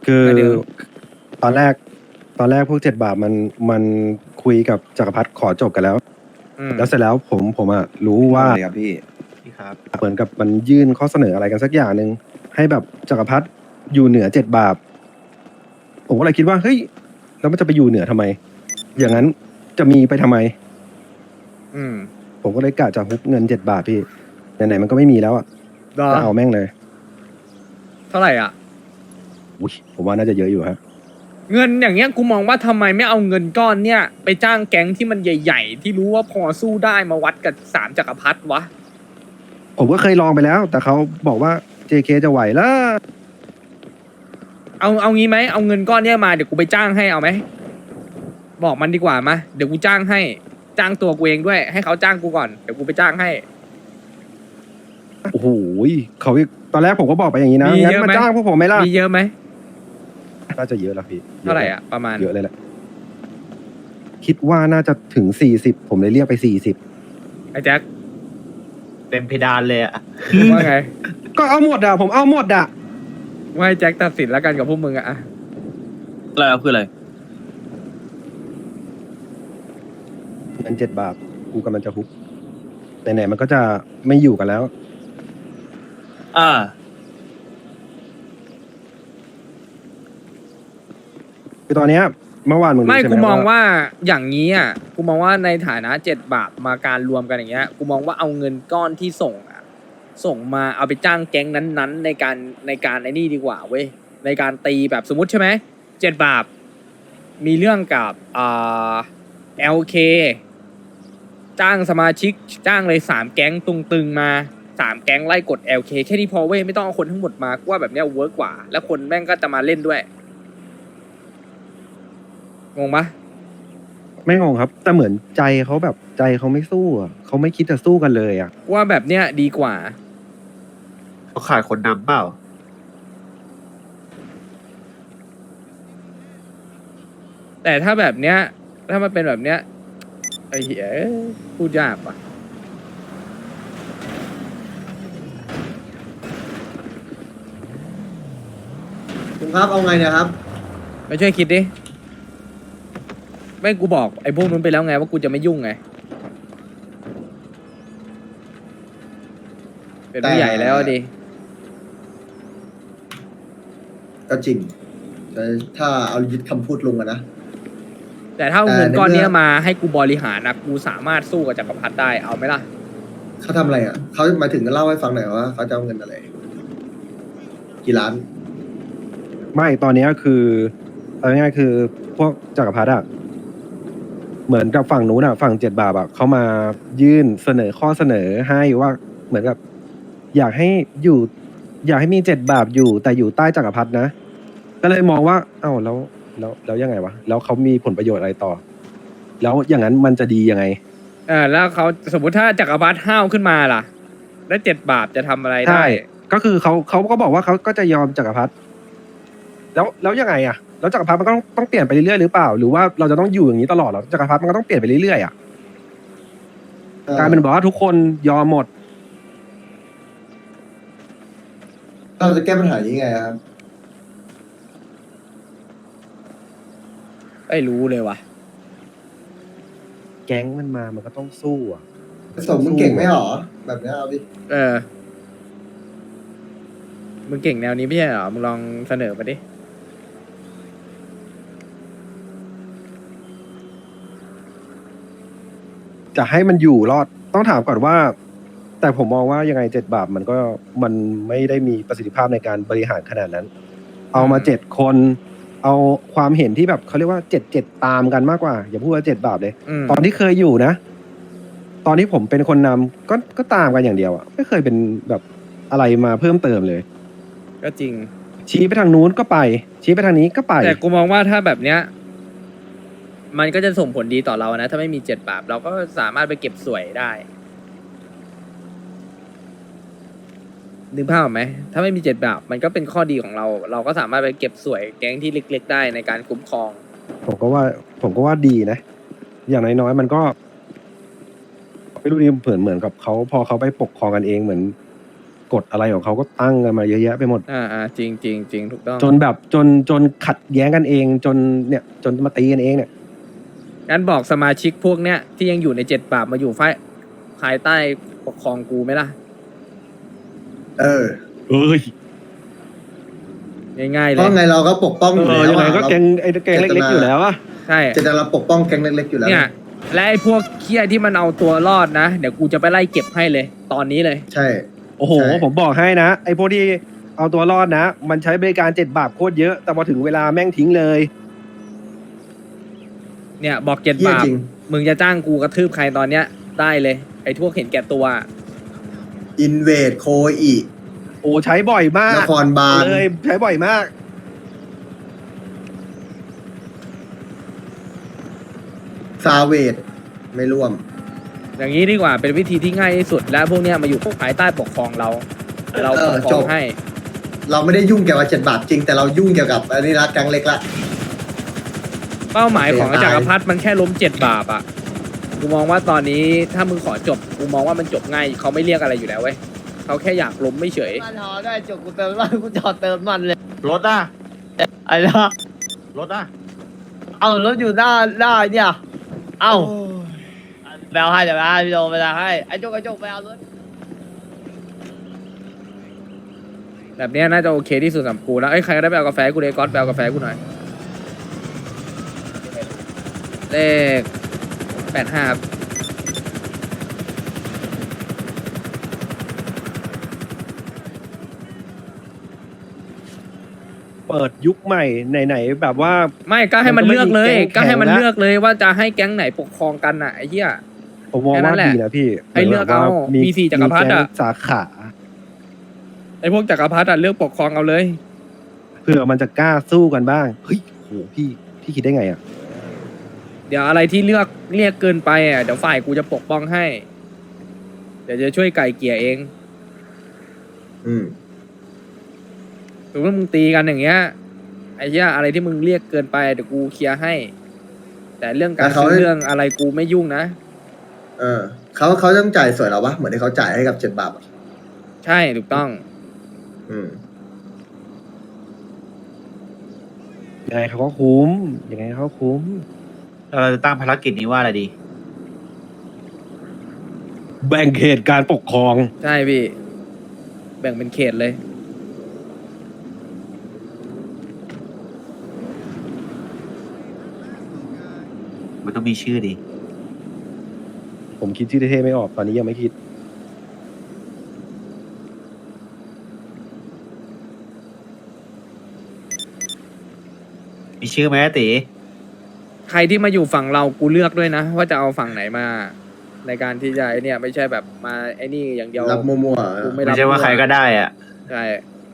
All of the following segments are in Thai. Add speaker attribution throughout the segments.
Speaker 1: คือ
Speaker 2: หมายถึง
Speaker 1: ตอนแรกพวก7 บาทมันคุยกับจักรพรรดิขอจบกันแล้ว
Speaker 2: อืม
Speaker 1: แล้วเสร็จแล้วผมอะรู้ว่า
Speaker 3: เลยครับพี่ครับ
Speaker 1: เหมือนกับมันยื่นข้อเสนออะไรกันสักอย่างหนึ่งให้แบบจักรพรรดิอยู่เหนือ7 บาทผมก็เลยคิดว่าเฮ้ยแล้วมันจะไปอยู่เหนือทำไม อย่างนั้นจะมีไปทำไม
Speaker 2: อืม
Speaker 1: ผมก็เลยกะจะฮุบเงิน7 บาทพี่ไหนๆมันก็ไม่มีแล้วอะ
Speaker 2: รอ
Speaker 1: จะเอาแม่งเลย
Speaker 2: เท่าไหร่อ่ะ
Speaker 1: อุ๊ยผมว่าน่าจะเยอะอยู่ฮะ
Speaker 2: เงินอย่างเงี้ยกูมองว่าทำไมไม่เอาเงินก้อนเนี่ยไปจ้างแก๊งที่มันใหญ่ๆ ที่รู้ว่าพอสู้ได้มาวัดกับ3 จักรพรรดิวะ
Speaker 1: ผมก็เคยลองไปแล้ว แต่เขาบอกว่า JK จะไหวแล้ว
Speaker 2: เอางี้ไหมเอาเงินก้อนเนี้ยมาเดี๋ยวกูไปจ้างให้เอาไหมบอกมันดีกว่ามาเดี๋ยวกูจ้างให้จ้างตัวกูเองด้วย ให้เขาจ้างกูก่อนเดี๋ยวกูไปจ้างให้
Speaker 1: โอ้โหเขาตอนแรกผมก็บอกไปอย่างนี้นะ
Speaker 2: มี
Speaker 1: งั้น
Speaker 2: เยอะไหม
Speaker 1: มาจ้างพวกผมไหมล่ะ
Speaker 2: มีเยอะไหม
Speaker 1: น่าจะเยอะแล้วพี่
Speaker 2: เท่าไหร่อ่ะประมาณ
Speaker 1: เยอะเลยแหละ คิดว่าน่าจะถึง40ผมเลยเรียกไป40
Speaker 2: ไอ้แจ็ค
Speaker 3: เต็มเพดานเลยอะ
Speaker 2: ว่าไง
Speaker 1: ก็เอาหมดอ่ะ ผมเอาหมดอ่ะ
Speaker 2: ว่าให้แจ็คตัดสินแล้วกันกับพวกมึงอะ
Speaker 3: อะไรครับคืออะไร
Speaker 1: เงิน7 บาท กูกำลังจะฮุบไหนๆมันก็จะไม่อยู่กันแล้ว
Speaker 3: อ่า
Speaker 1: คือตอนเนี้ยเมื่อวานมึงรู้
Speaker 2: ไม่
Speaker 1: ใช่ไห
Speaker 2: กู
Speaker 1: ม
Speaker 2: มอง
Speaker 1: ว่า
Speaker 2: ว่าอย่างนี้อ่ะกูมองว่าในฐานะ7 บาทมาการรวมกันอย่างเงี้ยกูมองว่าเอาเงินก้อนที่ส่งอ่ะส่งมาเอาไปจ้างแก๊งนั้นๆ ในการไอ้นี่ดีกว่าเว้ยในการตีแบบสมมติใช่ไหม7 บาท มีเรื่องกับLK จ้างสมาชิกจ้างเลย3 แก๊งตึงๆมา3 แก๊งไล่กด LK แค่นี้พอเว้ยไม่ต้องเอาคนทั้งหมดมากูว่าแบบเนี้ยเวิร์กกว่า แล้วคนแม่งก็จะมาเล่นด้วยงงปะ
Speaker 1: ไม่งงครับ แต่เหมือนใจเขาแบบใจเขาไม่สู้อ่ะเขาไม่คิดจะสู้กันเลยอ่ะ
Speaker 2: ว่าแบบเนี้ยดีกว่า
Speaker 3: เขาขาดคนนำเปล่า
Speaker 2: แต่ถ้าแบบเนี้ย ถ้ามันเป็นแบบเนี้ยไอ้เหี้ยพูดยากว่ะ
Speaker 4: คุณครับเอาไงเนี่ยครับ
Speaker 2: ไม่ช่วยคิดดิไม่กูบอกไอ้พวกนู้นไปแล้วไงว่ากูจะไม่ยุ่งไง เป็นผู้ใหญ่แล้วดิ
Speaker 4: ก็จริงแต่ถ้าเอายึดคำพูดลุงอะนะ
Speaker 2: แต่ถ้าเอาเงิน
Speaker 4: แต่ใน
Speaker 2: ก้อนเนี้ย
Speaker 4: เมื่อ
Speaker 2: มาให้กูบริหารนะกูสามารถสู้กับจักรพรรดิได้เอาไหมล่ะ
Speaker 4: เขาทำอะไรอ่ะเขาหมายถึงเล่าให้ฟังหน่อยว่าเขาจะเอาเงินอะไร กี่ล้าน
Speaker 1: ไม่ตอนเนี้ยคือเอาง่ายๆคือพวกจักรพรรดิอะเหมือนกับฝั่งนู้นอะฝั่ง7 บาทอะเขามายื่นเสนอข้อเสนอให้ว่าเหมือนกับ อยากให้อยู่ อยากให้มี7 บาทอยู่ แต่อยู่ใต้จักรพรรดินะ ก็เลยมองว่า เอ้าแล้วยังไงวะแล้วเขามีผลประโยชน์อะไรต่อ แล้วอย่างนั้นมันจะดียังไง
Speaker 2: แล้วเขาสมมติถ้าจักรพรรดิห้าวขึ้นมาล่ะ แล้ว7 บาทจะทำอะไรได้
Speaker 1: ใช่ก็คือเขาก็บอกว่าเขาก็จะยอมจักรพรรดิแล้วยังไงอะแล้วจักรพรรดิมันก็ต้องเปลี่ยนไปเรื่อยๆหรือเปล่า หรือว่าเราจะต้องอยู่อย่างนี้ตลอดเหรอจักรพรรดิมันก็ต้องเปลี่ยนไปเรื่อยๆอะกลายเป็นบอกว่าทุกคนยอมหมด
Speaker 4: เราจะแก้ปัญหานี้ไงครับ
Speaker 2: ไม่รู้เลยว่ะ
Speaker 1: แก๊งมันมามันก็ต้องสู้อะ
Speaker 4: สมมึงเก่งไหมหรอ แบบเนี้ยเอาดิ
Speaker 2: มึงเก่งแนวนี้ไม่ใช่เหรอ มึงลองเสนอมาดิ
Speaker 1: จะให้มันอยู่รอดต้องถามก่อนว่า แต่ผมมองว่ายังไง7 บาทมันไม่ได้มีประสิทธิภาพในการบริหารขนาดนั้น เอามา7 คน เอาความเห็นที่แบบเขาเรียกว่า7 ตามกันมากกว่า อย่าพูดว่า7 บาทเลย
Speaker 2: อืม
Speaker 1: ตอนที่เคยอยู่นะ ตอนที่ผมเป็นคนนำก็ตามกันอย่างเดียวอะไม่เคยเป็นแบบอะไรมาเพิ่มเติมเลย
Speaker 2: ก็จริง
Speaker 1: ชี้ไปทางนู้นก็ไป ชี้ไปทางนี้ก็ไป
Speaker 2: แต่กูมองว่าถ้าแบบเนี้ย มันก็จะส่งผลดีต่อเรานะ ถ้าไม่มี7 บาท เราก็สามารถไปเก็บสวยได้นึกภาพออกไหม ถ้าไม่มี7 บาท มันก็เป็นข้อดีของเรา เราก็สามารถไปเก็บสวยแก๊งที่เล็กๆได้ในการคุ้มครอง
Speaker 1: ผมก็ว่าดีนะ อย่างน้อยๆมันก็ไม่รู้ดิเหมือนกับเขาพอเขาไปปกครองกันเองเหมือนกฎอะไรของเขาก็ตั้งกันมาเยอะแยะไปหมด
Speaker 2: จริงจริงจริงถูกต้อง
Speaker 1: จนแบบจนขัดแย้งกันเองจนเนี่ยจนมาตีกันเองเนี่ย
Speaker 2: งั้นบอกสมาชิกพวกเนี้ยที่ยังอยู่ใน7 บาปมาอยู่ภายใต้ปกครองกูไหมล่ะ
Speaker 4: เออ
Speaker 1: เอ้ย
Speaker 2: ง่ายๆเล
Speaker 4: เพราะ
Speaker 2: ย
Speaker 4: ไงเราก็ปกป้องอยู่แล้ว
Speaker 1: ยังไงก็
Speaker 4: อะ
Speaker 1: แกงไอ้แกงเล็กๆอยู่แล้วอะ
Speaker 2: ใช่
Speaker 4: เจตนาเราปกป้องแก๊งเล็กๆอยู่แล้ว
Speaker 2: เนี่ยและไอ้พวกเคี้ยที่มันเอาตัวรอดนะ เดี๋ยวกูจะไปไล่เก็บให้เลย ตอนนี้เลย
Speaker 4: ใช่
Speaker 1: โอ้โห
Speaker 4: ใช่
Speaker 1: ผมบอกให้นะไอ้พวกที่เอาตัวรอดนะ มันใช้บริการ7 บาทโคตรเยอะ แต่พอถึงเวลาแม่งทิ้งเลย
Speaker 2: เนี่ยบอก7
Speaker 4: เหี้ย
Speaker 2: บาป
Speaker 4: จริง
Speaker 2: มึงจะจ้างกูกระทืบใครตอนเนี้ยได้เลย ไอ้พวกเห็นแก่ตัว
Speaker 4: อินเวดโคอี
Speaker 1: โอ้ใช้บ่อยมาก
Speaker 4: นครบาล
Speaker 1: เลยใช้บ่อยมาก
Speaker 4: ซาเวดไม่ร่วม
Speaker 2: อย่างนี้ดีกว่าเป็นวิธีที่ง่ายที่สุด และพวกเนี้ยมาอยู่ภายใต้ปกครองเรา เราปกคร
Speaker 4: จ
Speaker 2: อง
Speaker 4: บ
Speaker 2: ให้
Speaker 4: เราไม่ได้ยุ่งเกี่ยวกับ7 บาทจริง แต่เรายุ่งเกี่ยวกับอันนี้ละแก๊งเล็กละ
Speaker 2: เป้าหมายของ
Speaker 4: เสียดาย
Speaker 2: จักรพรรดิมันแค่ล้ม7 บาปอ่ะกูมองว่าตอนนี้ถ้ามึงขอจบกูมองว่ามันจบง่ายเขาไม่เรียกอะไรอยู่แล้วเว้ยเขาแค่อยากล้มไม่เฉย
Speaker 5: มันหอได้จบกูเติมน้ำมันกูจอดเติมมันเลย
Speaker 3: รถอ่ะ
Speaker 5: ไอ้ละ
Speaker 3: รถอ่ะ
Speaker 5: เอารถอยู่หน้าเนี่ย เอาไปเอาให้เดี๋ยวไปเอาพี่โดไปเอาให้ไอ้โจกไปเอารถ
Speaker 2: แบบเนี้ยน่าจะโอเคที่สุดสำหรับกูแล้วไอ้ยใครก็ได้ไปเอากาแฟให้กูเลยก๊อตไปเอากาแฟให้กูหน่อยเลข85ครับ
Speaker 1: เปิดยุคใหม่ไหนๆแบบว่า
Speaker 2: ไม่ก็ให้มันเลือกเลย
Speaker 1: มันก็
Speaker 2: ก็
Speaker 1: ไม่มีแก๊ง
Speaker 2: ให้มัน
Speaker 1: แข่งละ
Speaker 2: เลือกเลยว่าจะให้แก๊งไหนปกครองกันน่ะไอ้เหี้ย
Speaker 1: ผมมอง
Speaker 2: แค่นั้
Speaker 1: ว่าน
Speaker 2: แหละ
Speaker 1: ดีนะพี่
Speaker 2: ให้เลือกเอา
Speaker 1: หมืนแบบว่
Speaker 2: มี4จักรพรรดิอะ
Speaker 1: มีแก๊งสาขา
Speaker 2: ไอ้พวกจักรพรรดิอะเลือกปกครองเอาเลย
Speaker 1: เผื่อมันจะกล้าสู้กันบ้างเฮ้ยโหพี่คิดได้ไงอ่ะ
Speaker 2: เดี๋ยวอะไรที่เรียกเกินไปอ่ะเดี๋ยวฝ่ายกูจะปกป้องให้ เดี๋ยวจะช่วยไก่เกลี่ยเอง
Speaker 4: อืม
Speaker 2: สมมติมึงตีกันอย่างเงี้ยไอ้เหี้ยอะไรที่มึงเรียกเกินไปเดี๋ยวกูเคลียร์ให้ แต่เรื่องการซื้อเรื่องอะไรกูไม่ยุ่งนะ
Speaker 4: เออเขาต้องจ่ายสวยเราปะเหมือนที่เขาจ่ายให้กับ7 บาทอะ
Speaker 2: ใช่ถูกต้อง
Speaker 4: อืม
Speaker 1: ยังไงเขาก็คุ้มยังไงเขาก็คุ้ม
Speaker 3: เราจะตั้งภารกิจนี้ว่าอะไรดี
Speaker 1: แบ่งเขตการปกครอง
Speaker 2: ใช่พี่ แบ่งเป็นเขตเลย
Speaker 3: มันต้องมีชื่อดี
Speaker 1: ผมคิดชื่อเท่ๆไม่ออกตอนนี้ยังไม่คิด
Speaker 3: มีชื่อไหมอะตี
Speaker 2: ใครที่มาอยู่ฝั่งเรากูเลือกด้วยนะ ว่าจะเอาฝั่งไหนมา ในการที่จะไอเนี่ยไม่ใช่แบบมาไอ้นี่อย่างเดียว
Speaker 4: รับมั่วๆอะ
Speaker 2: กูไม่
Speaker 3: ไม่
Speaker 2: รับ
Speaker 3: ใช่ว่าใครก็ได้อ่ะ
Speaker 2: ใช่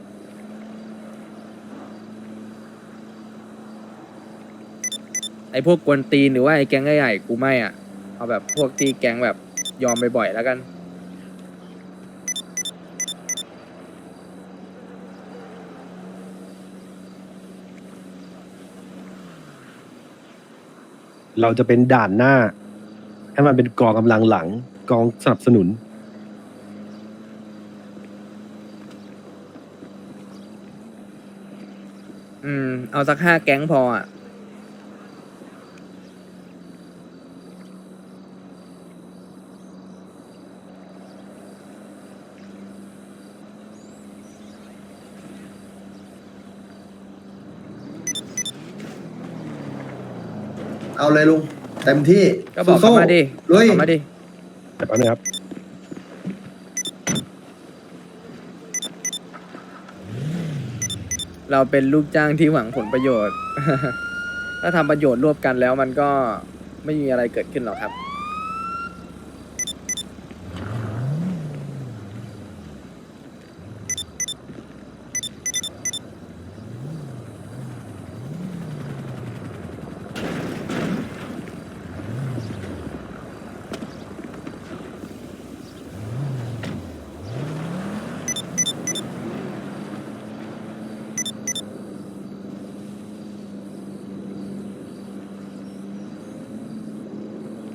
Speaker 2: ไอพวกกวนตีนหรือว่าไอแก๊งใหญ่ๆกูไม่อ่ะเอาแบบพวกที่แก๊งแบบยอมบ่อยๆแล้วกัน
Speaker 1: เราจะเป็นด่านหน้า ให้มันเป็นกองกำลังหลัง กองสนับสนุน
Speaker 2: เอาสัก5 แก๊งพออ่ะ
Speaker 4: เอาเลยลุงเต็มที่
Speaker 2: ก็บอกเขา
Speaker 4: สู้ๆ
Speaker 2: มาดิ
Speaker 4: ลุย
Speaker 2: เขามาดิ
Speaker 1: แต่แป๊บนึงครับ
Speaker 2: เราเป็นลูกจ้างที่หวังผลประโยชน์ ถ้าทำประโยชน์ร่วมกันแล้วมันก็ไม่มีอะไรเกิดขึ้นหรอกครับ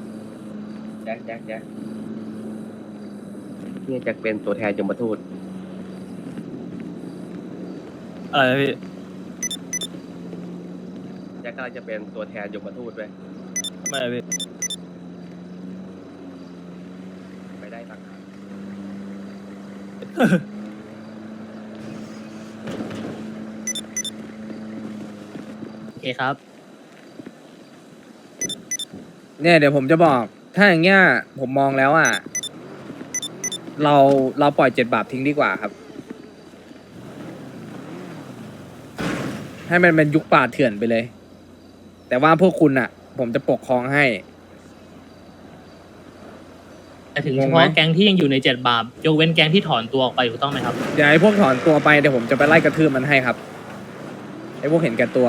Speaker 6: แจ็คนี่แจ็คเป็นตัวแทนยมทูตอะไรนะพี่
Speaker 7: แจ็คกำลังจะเป็นตัวแทนยมทูตด้วย
Speaker 6: ทำไมอะพี่
Speaker 7: ไม่ได้ต่างหาก
Speaker 5: โอเคครับ
Speaker 2: เนี่ยเดี๋ยวผมจะบอก ถ้าอย่างเงี้ยผมมองแล้วอ่ะ เราปล่อย7 บาททิ้งดีกว่าครับ ให้มันเป็นยุคป่าเถื่อนไปเลย แต่ว่าพวกคุณอ่ะ ผมจะปกครองให้
Speaker 8: แต่ถึง
Speaker 2: ง
Speaker 8: เฉ
Speaker 2: งไหม
Speaker 8: พาะแก๊งที่ยังอยู่ใน7 บาทยกเว้นแก๊งที่ถอนตัวออกไปถูกต้องไหมครับ
Speaker 2: เดี๋ยวไอ้พวกถอนตัวไปเดี๋ยวผมจะไปไล่กระทืบมันให้ครับ ไอ้พวกเห็นแก่ตัว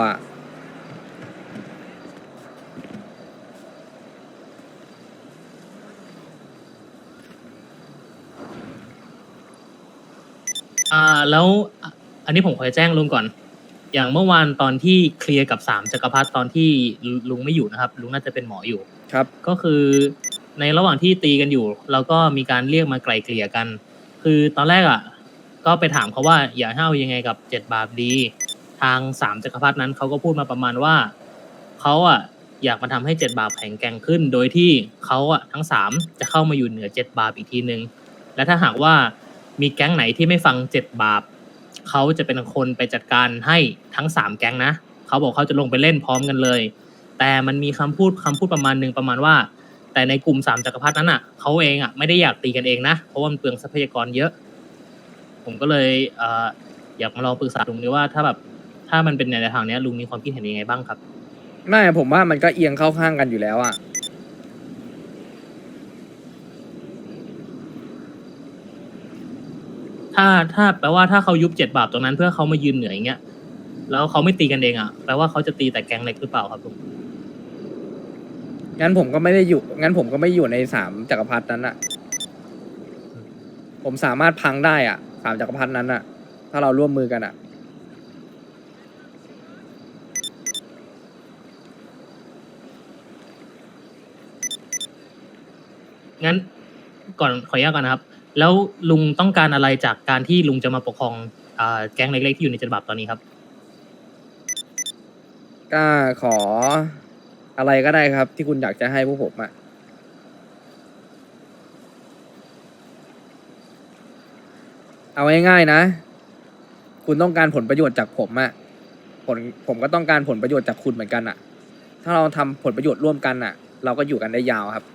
Speaker 8: แล้วอันนี้ผมขอแจ้งลุงก่อน อย่างเมื่อวานตอนที่เคลียร์กับ3 จักรพรรดิตอนที่ลุงไม่อยู่นะครับ ลุงน่าจะเป็นหมออยู่
Speaker 2: ครับ
Speaker 8: ก็คือในระหว่างที่ตีกันอยู่ เราก็มีการเรียกมาไกลเกลี่ยกัน คือตอนแรกอ่ะ ก็ไปถามเขาว่าอยากให้เอายังไงกับ7 บาทดี ทาง3 จักรพรรดินั้นเขาก็พูดมาประมาณว่าเขาอ่ะอยากมาทำให้7 บาทแข็งแกร่งขึ้น โดยที่เขาอ่ะทั้ง3จะเข้ามาอยู่เหนือ7 บาทอีกทีนึง และถ้าหากว่ามีแก๊งไหนที่ไม่ฟัง7 บาทเขาจะเป็นคนไปจัดการให้ทั้ง3แก๊งนะเขาบอกเขาจะลงไปเล่นพร้อมกันเลย แต่มันมีคำพูดประมาณหนึ่งประมาณว่า แต่ในกลุ่ม3 จักรพรรดินั้นอ่ะเขาเองอ่ะไม่ได้อยากตีกันเองนะเพราะว่ามันเปลืองทรัพยากรเยอะ ผมก็เลยอยากมาลองปรึกษาลุงดูว่าถ้ามันเป็นในทางเนี้ยลุงมีความคิดเห็นยังไงบ้างครับ
Speaker 2: ไม่ผมว่ามันก็เอียงเข้าข้างกันอยู่แล้วอ่ะ
Speaker 8: ถ้าแปลว่าถ้าเขายุบ7 บาทตรงนั้นเพื่อเขามายืนเหนืออย่างเงี้ยแล้วเขาไม่ตีกันเองอ่ะแปลว่าเขาจะตีแต่แก๊งเล็กหรือเปล่าครับลุง
Speaker 2: งั้นผมก็ไม่ได้อยู่ งั้นผมก็ไม่อยู่ใน3 จักรพรรดินั้นอ่ะ ผมสามารถพังได้อ่ะ3 จักรพรรดินั้นอ่ะ ถ้าเราร่วมมือกันอ่ะ
Speaker 8: งั้นก่อนขออนุญาตก่อนนะครับ แล้วลุงต้องการอะไรจากการที่ลุงจะมาปกครองแก๊งเล็กๆที่อยู่ใน7 บาทตอนนี้ครับ
Speaker 2: ก็ขออะไรก็ได้ครับ ที่คุณอยากจะให้พวกผมอะเอาง่ายๆนะ คุณต้องการผลประโยชน์จากผมอะผมก็ต้องการผลประโยชน์จากคุณเหมือนกันอะถ้าเราทำผลประโยชน์ร่วมกันอะเราก็อยู่กันได้ยาวครับ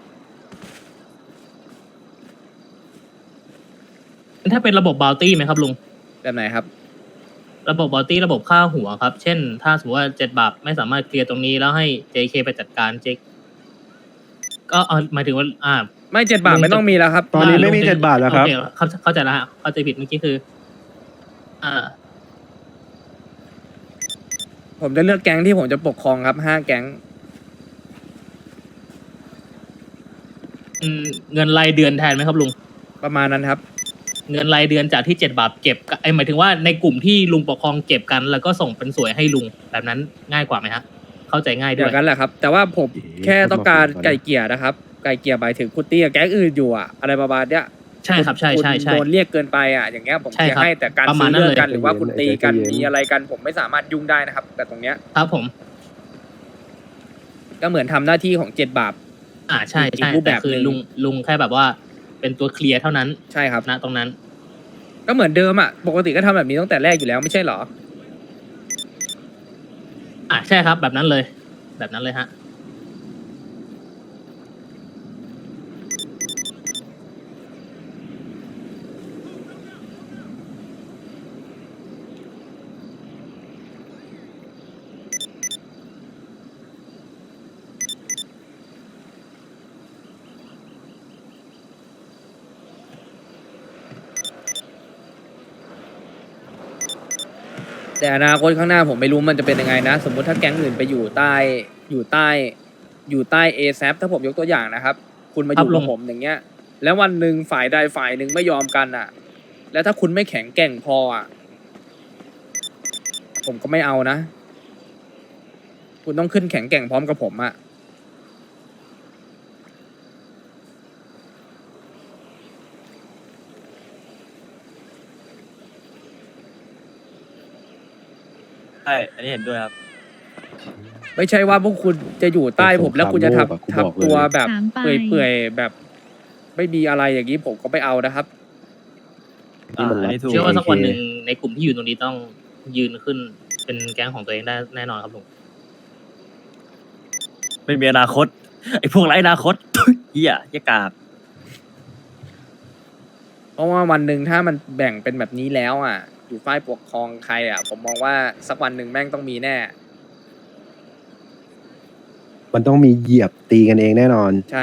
Speaker 8: ถ้าเป็นระบบบาวตี้ไหมครับลุง
Speaker 2: แบบไหนครับ
Speaker 8: ระบบบาวตี้ระบบค่าหัวครับ เช่น ถ้าสมมติว่า7 บาทไม่สามารถเคลียร์ตรงนี้แล้วให้ JK ไปจัดการเจ๊ก็หมายถึงว่า
Speaker 2: ไม่7 บาทไม่ต้องมีแล้วครับ
Speaker 1: ตอนนี้ไม่มี7 บาทแล้วครับ
Speaker 8: โอเเข้าใจแล้วฮะเข้าใจผิดเมื่อกี้คือ
Speaker 2: ผมจะเลือกแก๊งที่ผมจะปกครองครับ5 แก๊ง
Speaker 8: เงินรายเดือนแทนไหมครับลุง
Speaker 2: ประมาณนั้นครับ
Speaker 8: เงินรายเดือนจากที่7 บาทเก็บหมายถึงว่าในกลุ่มที่ลุงปกครองเก็บกัน แล้วก็ส่งเป็นสวยให้ลุงแบบนั้นง่ายกว่าไหมฮะเข้าใจง่ายด้
Speaker 2: เดี๋
Speaker 8: วย
Speaker 2: ยวกันแหละครับ แต่ว่าผมแค่ต้องการไก่เกลี่ยนะครับ ไก่เกลี่ยหมายถึงคุณตีกับแก๊งอื่นอยู่อะอะไรประมาณเนี้ย
Speaker 8: ใช่ครับใช่
Speaker 2: คุณ
Speaker 8: ใช่ใช่
Speaker 2: โดนเรียกเกินไปอะอย่างเงี้ยผม
Speaker 8: ใช่
Speaker 2: จะ
Speaker 8: ครับ
Speaker 2: ให้แต่การ
Speaker 8: ประมา
Speaker 2: ซื้
Speaker 8: ณ
Speaker 2: อ
Speaker 8: นั้น
Speaker 2: เรื่อง
Speaker 8: เลย
Speaker 2: กันหรือว่าคุณตีกัน
Speaker 1: ใจเย็น
Speaker 2: มีอะไรกัน ผมไม่สามารถยุ่งได้นะครับ แต่ตรงเนี้ย
Speaker 8: ครับผม
Speaker 2: ก็เหมือนทำหน้าที่ของ7 บาท
Speaker 8: ใช่
Speaker 2: อี
Speaker 8: ใช่
Speaker 2: กรูปแบ
Speaker 8: แต่
Speaker 2: บ
Speaker 8: คือ
Speaker 2: หนึ่ง
Speaker 8: ลุงแค่แบบว่าเป็นตัวเคลียร์เท่านั้น
Speaker 2: ใช่ครับ
Speaker 8: นะตรงนั้น
Speaker 2: ก็เหมือนเดิมอะปกติก็ทำแบบนี้ตั้งแต่แรกอยู่แล้วไม่ใช่เหรอ
Speaker 8: ใช่ครับแบบนั้นเลย แบบนั้นเลยฮะ
Speaker 2: แต่อนาคตข้างหน้าผมไม่รู้มันจะเป็นยังไงนะ สมมุติถ้าแก๊งอื่นไปอยู่ใต้อยู่ใต้อยู่ใต้เอซถ้าผมยกตัวอย่างนะครับ คุณมาอยู่
Speaker 8: ครับลุ
Speaker 2: กับ
Speaker 8: ง
Speaker 2: ผมอย่างเงี้ย แล้ววันหนึ่งฝ่ายใดฝ่ายหนึ่งไม่ยอมกันอ่ะ แล้วถ้าคุณไม่แข็งแกร่งพออ่ะ ผมก็ไม่เอานะ คุณต้องขึ้นแข็งแกร่งพร้อมกับผมอ่ะ
Speaker 6: ใช่ อันนี้เห็นด้วยครับ
Speaker 2: ไม่ใช่ว่าพวกคุณจะอยู่ใต้ผมแล้วคุณจะ
Speaker 1: เป็นสงครามโลกอะกูบอกเลย
Speaker 2: ทำตัวแบบ
Speaker 9: ถามไป
Speaker 2: เปื่อยๆแบบไม่มีอะไรอย่างนี้ผมก็ไม่เอานะครับ
Speaker 1: นี่มัน
Speaker 6: อันนี้ถูก
Speaker 8: เชื่อว่าสักวันหนึ่งในกลุ่มที่อยู่ตรงนี้ต้องยืนขึ้นเป็นแก๊งของตัวเองได้แน่นอนครับลุง
Speaker 6: ไม่มีอนาคต ไอ้พวกไร้อนาคต เหี้ยเหี้ยกาก
Speaker 2: เพราะว่าวันหนึ่งถ้ามันแบ่งเป็นแบบนี้แล้วอ่ะ อยู่ฝ่ายปกครองใครอ่ะ ผมมองว่าสักวันหนึ่งแม่งต้องมีแน่
Speaker 1: มันต้องมีเหยียบตีกันเองแน่นอน
Speaker 2: ใช่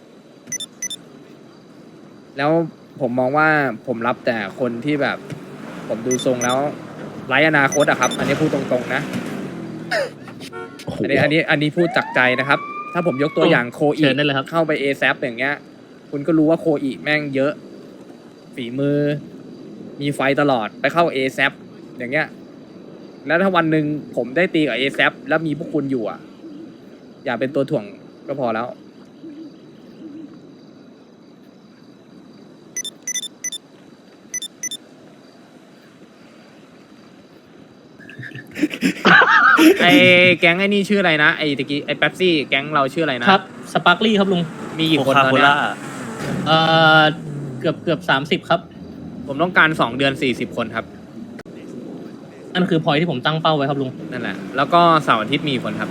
Speaker 2: แล้วผมมองว่าผมรับแต่คนที่แบบ ผมดูทรงแล้วไร้อนาคตอะครับ อันนี้พูดตรงๆนะ
Speaker 1: โอ้โห
Speaker 2: อันนี้พูดจากใจนะครับ ถ้าผมยกตัวอย่างโคอี
Speaker 8: เชิญได้เลยครับ
Speaker 2: เข้าไป ASAP อย่างเงี้ย คุณก็รู้ว่าโคอีแม่งเยอะ ฝีมือ มีไฟตลอดไปเข้า ASAP อย่างเงี้ย แล้วถ้าวันหนึ่งผมได้ตีกับ ASAP แล้วมีพวกคุณอยู่อ่ะ อย่าเป็นตัวถ่วงก็พอแล้ว ไอแก๊งไอ้นี่ชื่ออะไรนะไอตะกี้ไอเป๊ปซี่แก๊งเราชื่ออะไรนะครับ
Speaker 8: สปาร์คลี่ครับลุง
Speaker 2: มีกี่
Speaker 6: โค
Speaker 2: คน
Speaker 6: คา
Speaker 2: ตอน
Speaker 6: โค
Speaker 2: เนี้ย
Speaker 6: ล่า
Speaker 8: เอ่อเกือบ30ครับ
Speaker 2: ผมต้องการ2 เดือน40 คนครับ
Speaker 8: นั่นคือพอยที่ผมตั้งเป้าไว้ครับลุง
Speaker 2: นั่นแหละ แล้วก็เสาร์อาทิตย์มีกี่คนครับ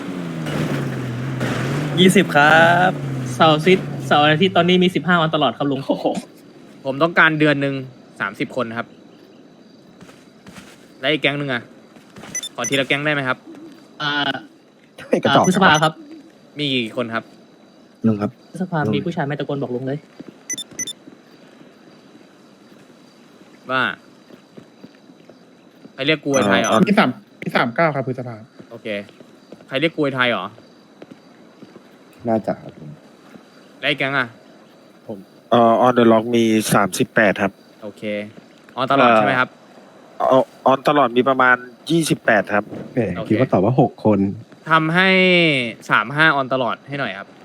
Speaker 6: 20 ครับ
Speaker 8: เสาร์อาทิตย์ตอนนี้มี15วันตลอดครับลุง
Speaker 2: ผมต้องการเดือนหนึ่ง30 คนครับ แล้วอีกแก๊งหนึ่งอ่ะ ขอทีละแก๊งได้ไหมครับ
Speaker 8: อ่า
Speaker 1: ให้กระจอก
Speaker 8: พฤษภาครับ
Speaker 2: มีกี่คนครับ
Speaker 1: ลุงครับ
Speaker 8: พฤษภามีผู้ชายไม่ตะโกนบอกลุงเลย
Speaker 2: ว่าใครเรียกกูไอ้ไทยเหรอ
Speaker 10: ที่39ครับพฤษภา
Speaker 2: โอเค ใครเรียกกูไอ้ไทยเหรอ
Speaker 1: น่าจะครับผม
Speaker 2: แล้วอีกแก๊งอ่ะ
Speaker 10: ออนเดอะล็อกมี38ครับ
Speaker 2: โอเคออนตลอดใช่ไหมครับ
Speaker 10: ออนตลอดมีประมาณ28ครับ
Speaker 1: แหม
Speaker 2: โอเค
Speaker 1: คิดว่าตอบว่า6 คน
Speaker 2: ทำให้35ออนตลอดให้หน่อยครับ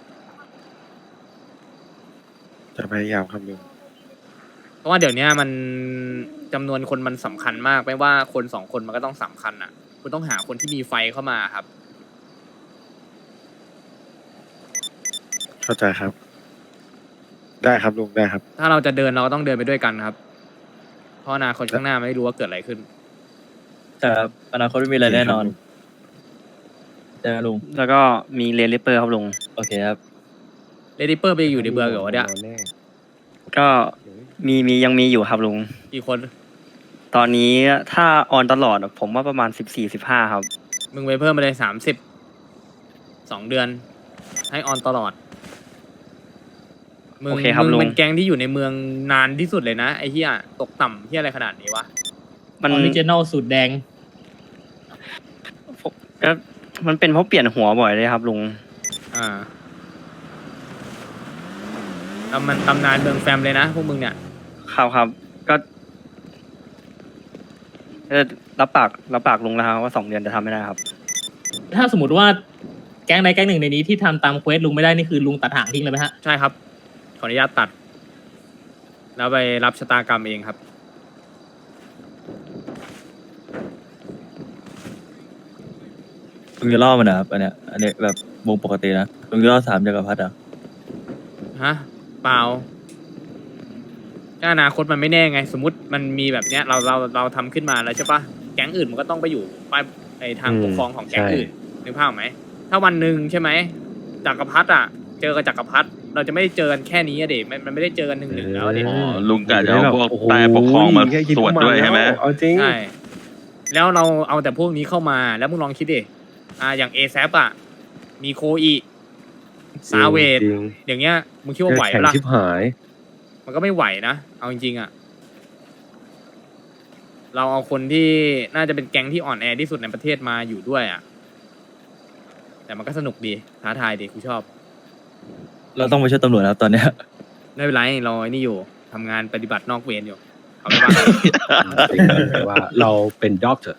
Speaker 10: จะพยายามครับลุง
Speaker 2: เพราะว่าเดี๋ยวนี้มันจำนวนคนมันสำคัญมากไม่ว่าคน2 คนมันก็ต้องสำคัญอ่ะ คุณต้องหาคนที่มีไฟเข้ามาครับ
Speaker 10: เข้าใจครับ ได้ครับลุงได้ครับ
Speaker 2: ถ้าเราจะเดินเราก็ต้องเดินไปด้วยกันครับ เพราะอนาคตข้างหน้าไม่รู้ว่าเกิดอะไรขึ้น
Speaker 6: แต่อนาคตไม่มีอะไรแน่นอนใช่ไหมลุง
Speaker 11: แล้วก็มีเรนลิปเปอร์ครับลุง
Speaker 6: โอเคครับ
Speaker 2: เลดี้เปอร์ไปอยู่ในเบืองเหรอเนี่ย
Speaker 11: ก็ยังมีอยู่ครับลุง
Speaker 2: กี่คน
Speaker 11: ตอนนี้ถ้าออนตลอดอะผมว่าประมาณ14-15ครับ
Speaker 2: มึงไปเพิ่มไปเลย30 2 เดือน ให้ออนตลอด มึง
Speaker 11: โอเคครับ
Speaker 2: มึง
Speaker 11: ลุง
Speaker 2: เป็นแก๊งที่อยู่ในเมืองนานที่สุดเลยนะไอ้เหี้ยตกต่ำเหี้ยอะไรขนาดนี้วะ
Speaker 11: มัน
Speaker 8: ออริจินอลสูตรแดง
Speaker 11: ก็มันเป็นเพราะเปลี่ยนหัวบ่อยเลยครับลุง
Speaker 2: อ่ามันตำนานเมืองแฟมเลยนะพวกมึงเนี่ย
Speaker 11: ครับก็รับปากลุงแล้วครับว่า2 เดือนจะทำไม่ได้ครับ
Speaker 8: ถ้าสมมติว่าแก๊งใดแก๊งหนึ่งในนี้ที่ทำตามเควสลุงไม่ได้นี่คือลุงตัดหางทิ้งเลยไหมฮะ
Speaker 2: ใช่ครับ ขออนุญาตตัด แล้วไปรับชะตากรรมเองครับ
Speaker 6: ลุงจะล่อมันนะครับ อันเนี้ยแบบวงปกตินะ ลุงจะล่อ3 จักรพรรดิอ่ะ
Speaker 2: ฮะ เปล่าก็อนาคตมันไม่แน่ไง สมมติมันมีแบบเนี้ยเราทำขึ้นมาแล้วใช่ปะแก๊งอื่นมันก็ต้องไปอยู่ไปไอทางปกครองของแก๊งอื่นนึกภาพไหมถ้าวันหนึ่งใช่ไหมจักรพรรดิอ่ะ เจอกับจักรพรรดิเราจะไม่ได้เจอกันแค่นี้อะเด็มันไม่ได้เจอกัน1-1แล้วอะเด็
Speaker 12: ลุงกะจะเอาพวกใต้ปกครองมาสวดด้วยใช่ไหม
Speaker 1: เอาจริง
Speaker 2: ใช่แล้วเราเอาแต่พวกนี้เข้ามาแล้วมึงลองคิดดิอย่างเอแซปอ่ะมีโคอีซาเวด
Speaker 1: จริง
Speaker 2: อย่างเงี้ยมึงคิดว่าไหว
Speaker 1: แข่ง
Speaker 2: ปะล่ะ
Speaker 1: ชิบหาย
Speaker 2: มันก็ไม่ไหวนะ เอาจริงๆอะเราเอาคนที่น่าจะเป็นแก๊งที่อ่อนแอที่สุดในประเทศมาอยู่ด้วยอะแต่มันก็สนุกดี ท้าทายดีกูชอบ
Speaker 6: เราต้องไปช่วยตำรวจนะครับตอนเนี้ย
Speaker 2: ไม่เป็นไรเราไอ้นี่อยู่ทำงานปฏิบัตินอกเวรอยู่เอาไปบ้าง
Speaker 1: จริงแต่ว่าเราเป็นด็อกเตอร์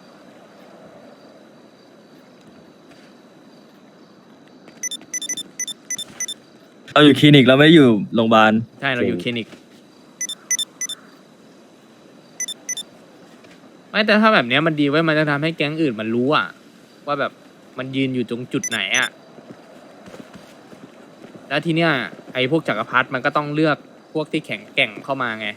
Speaker 6: เราอยู่คลินิกเราไม่ได้อยู่โรงพยาบาล
Speaker 2: ใช่เราอยู่คลินิกไม่แต่ถ้าแบบเนี้ยมันดีไว้ยมันจะทำให้แก๊งอื่นมันรู้อะว่าแบบมันยืนอยู่ตรงจุดไหนอะแล้วทีเนี้ยไอ้พวกจักรพรรดิมันก็ต้องเลือกพวกที่แข็งแกร่งเข้ามาไง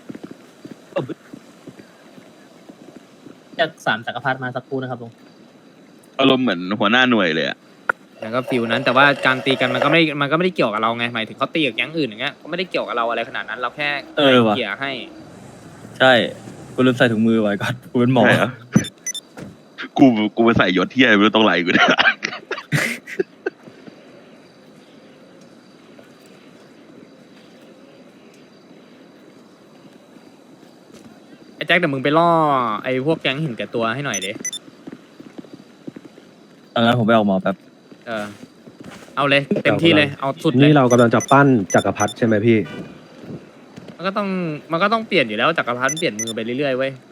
Speaker 8: จาก3จักรพรรดิมาสักครู่นะครับลุง
Speaker 12: อารมณ์เหมือนหัวหน้าหน่วยเลยอะ
Speaker 2: แล้วก็ฟิลนั้นแต่ว่าการตีกันมันก็ไม่ได้เกี่ยวกับเราไงหมายถึงเขาตีกับแก๊งอื่นอย่างเงี้ยก็ไม่ได้เกี่ยวกับเราอะไรขนาดนั้นเราแค่
Speaker 6: ว่ะ
Speaker 2: เกี่ยให้
Speaker 6: ใช่กูลืมใส่ถุงมือไว้ก่อนกูเป็นหมอ
Speaker 12: ใช่เหรอกูไปใส่ยศที่อะไรไม่รู้ตรงไหลกูเนี่ย
Speaker 2: ไอ้แจ็คเดี๋ยวมึงไปล่อไอ้พวกแก๊งหินแก่ตัวให้หน่อยดิ
Speaker 6: ตอนนั้นผมไปออกหมอแป๊บ
Speaker 2: เอาเลยเต็มที่เลยเอาสุดเลย
Speaker 1: นี่เรากำลังจะปั้นจักรพรรดิใช่ไหมพี่
Speaker 2: มันก็ต้องเปลี่ยนอยู่แล้วจักรพรรดิเปลี่ยนมือไปเรื่อยๆเว้ย